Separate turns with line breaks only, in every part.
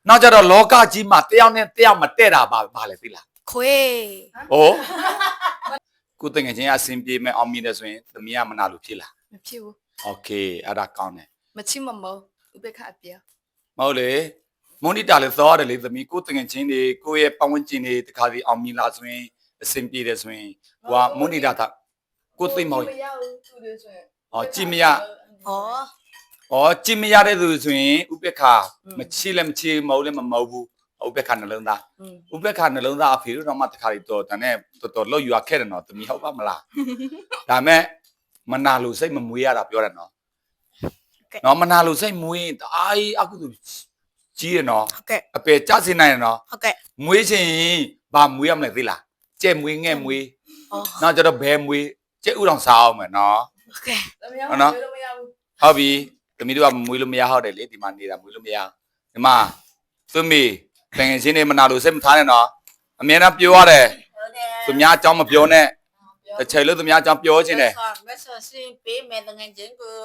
နောက်ကြတော့လောကကြီးမှာတယောက်နဲ့တယောက်မတည့်တာပါလေသိလား
ခွေ
ဟိုကိုတငယ်ချင်းအဆင်ပြေမဲ့အောင်မြင်တယ်ဆိုရင်သမီးကမနာလို့ဖြစ်လား
မဖြစ်ဘူး
โอเคအဲ့ဒါကောင်းတယ်
မချစ်မမောဥပေက္ခအပြ
မဟုတ်လေမွန်နီတာလည်းသွားတယ်လေသမီးကိုတငယ်ချင်းတွေကိုရဲ့ပတ်ဝန်းကျင်တွေတခါစီအောင်မြင်လာဆိုရင်အဆင်ပြေတယ်ဆိုရင်ဟိုကမွန်နီတာကိုသိမဟုတ်ဟောကြည့်မရကြည့်မရတဲ့သူဆိုရင်ဥပေက္ခမချစ်လည်းမချစ်မဟုတ်လည်းမမဟုတ်ဘူးဥပေက္ခနှလုံးသားဥပေက္ခနှလုံးသားအဖေတို့တော့မှတခါလေးတော့တန်းနဲ့တော်လောက်ယူရခဲ့တယ်နော်သမီးဟုတ်ပါမလားဒါမဲ့မနာလို့စိတ်မမွေးရတာပြောတယ်နော်နော်မနာလို့စိတ်မွေးအားကြီးအခုသူကြီးရနော်အပေကြစင်နိုင်ရနော်မွေးချင်ဘာမွေးရမလဲသိလားကြဲမွေးငဲ့မွေးနောက်ကျတော့ဘဲမွေးကြဲဥတော်စားအောင်မယ်နော်ဟုတ်နော်ဟုတ်ပြီသမီးတို့ကမွေးလို့မရဟုတ်တယ်လေဒီမှာနေတာမွေးလို့မရဒီမှာသမီးတငယ်ချင်းတွေမနာလို့စိတ်မထားနဲ့နော်အမြဲတမ်းပြောရတယ်သူများအကြောင်းမပြောနဲ့တစ်ချိန်လို့သူများအကြောင်းပြောခြင်းတယ်
မဆောစင်ပေးမယ်တငယ်ချင်းကို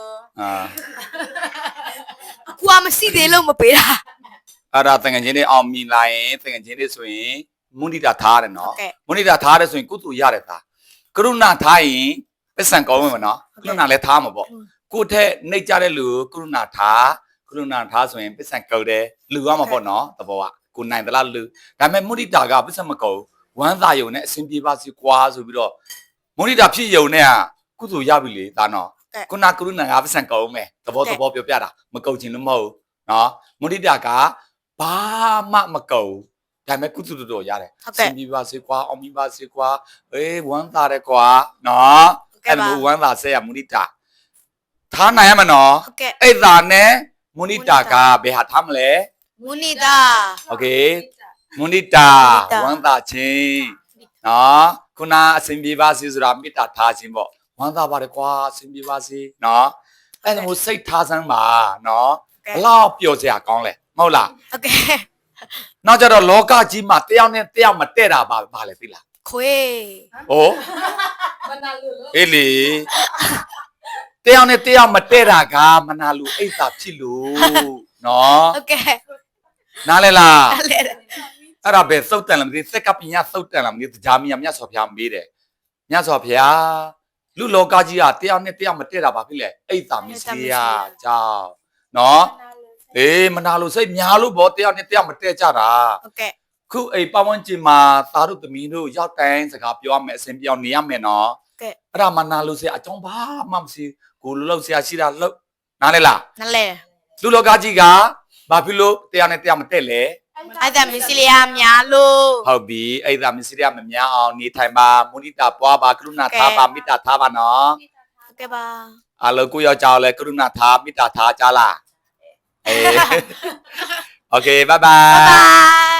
အကွာမရှိသေးလို့မပေးတာ
အဲ့ဒါတငယ်ချင်းတွေအောင်မြင်လာရင်တငယ်ချင်းတွေဆိုရင်မွန်နီတာထားရတယ်နော်မွန်နီတာထားရတယ်ဆိုရင်ကုသိုလ်ရတယ်သားကရုဏာထားရင်ပစ္စံကောင်းဝင်မနော်ကရုဏာလည်းထားမှာပေါ့ကိုထက်နှိပ်ကြတဲ့လူကရုဏာထားဆိုရင်ပစ္စံကောက်တယ်လူရမှာပေါ့နော်တဘောကကိုနိုင်သလားလူဒါပေမဲ့မွန်နီတာကပစ္စံမကောက်ဝမ်းသာယုံနဲ့အစဉ်ပြေပါစီကွာဆိုပြီးတော့မွန်နီတာဖြစ်ယုံနဲ့ကုသိုလ်ရပြီလေဒါနော်ခုနကရုဏာကပစ္စံကောက်မယ်တဘောပြောပြတာမကောက်ချင်လို့မဟုတ်နော်မွန်နီတာကဘာမှမကောက်ဒါပေမဲ့ကုသိုလ်တော်ရတယ်အစဉ်ပြေပါစီကွာအောင်မြင်ပါစီကွာဝမ်းသာတယ်ကွာနော်အဲ့လိုဝမ်းသာဆက်ရမွန်နီတာထားနိုင်ရမနော်အဲ့ဒါနဲ့မွန်နီတာကဘယ်ဟာထားမလဲ
မူနီတာ
โอเคမွန်နီတာဝမ်းသာခြင်းနော်ခုနအစဉ်ပြေပါစေဆိုတာမေတ္တာထားခြင်းပေါ့ဝမ်းသာပါတယ်ကွာအစဉ်ပြေပါစေနော်အဲ့ဒါမျိုးစိတ်ထားစမ်းပါနော်ဘလောက်ပျော်စရာကောင်းလဲမဟုတ်လား
โอเค
နောက်ကြတော့လောကကြီးမှာတယောက်နဲ့တယောက်မတည့်တာပါလေသိလား
ခွေ
ဟိုအေးလေတယောက်နဲ့တယောက်မတည့်တာကမနာလို့အိတ်သာဖြစ်လို့နော်
โอเค
နားလဲလားအဲ့ဒါပဲသုတ်တန်လားမသိစက်ကပညာသုတ်တန်လားမသိကြားမီမြတ်စွာဘုရားမေးတယ်မြတ်စွာဘုရားလူလောကကြီးကတယောက်နဲ့တယောက်မတည့်တာပါဖြစ်လေအိတ်သာမစ္စရိယကြောင့်နော်မနာလို့စိတ်များလို့ဗောတယောက်နဲ့တယောက်မတည့်ကြတာ
ဟုတ်ကဲ့
ခုအိမ်ပတ်ဝန်းကျင်မှာသားတို့သမီးတို့ရောက်တိုင်းစကားပြောရမယ်အစဉ်ပြောင်းနေရမယ်နော်
ကဲ့
အဲ့ဒါမနာလို့ဆရာအကြောင်းဘာမှမရှိကိုလှုပ်ဆရာရှိတာလှုပ်နားလဲလား
နားလဲ
လူလောကကြီးကဘာဖြစ်လို့တယောက်နဲ့တယောက်မတည့်လဲ
အဲ့ဒါမစ္စရိယများလို့
ဟုတ်ပြီအဲ့ဒါမစ္စရိယမများအောင်နေထိုင်ပါမုဒိတာပွားပါကရုဏာထားပါမေတ္တာထားပါနော်
ဟုတ်ကဲ့ပါ
အလောကိုယောက်ျားလဲကရုဏာထားမေတ္တာထားကြလားโอเคbye bye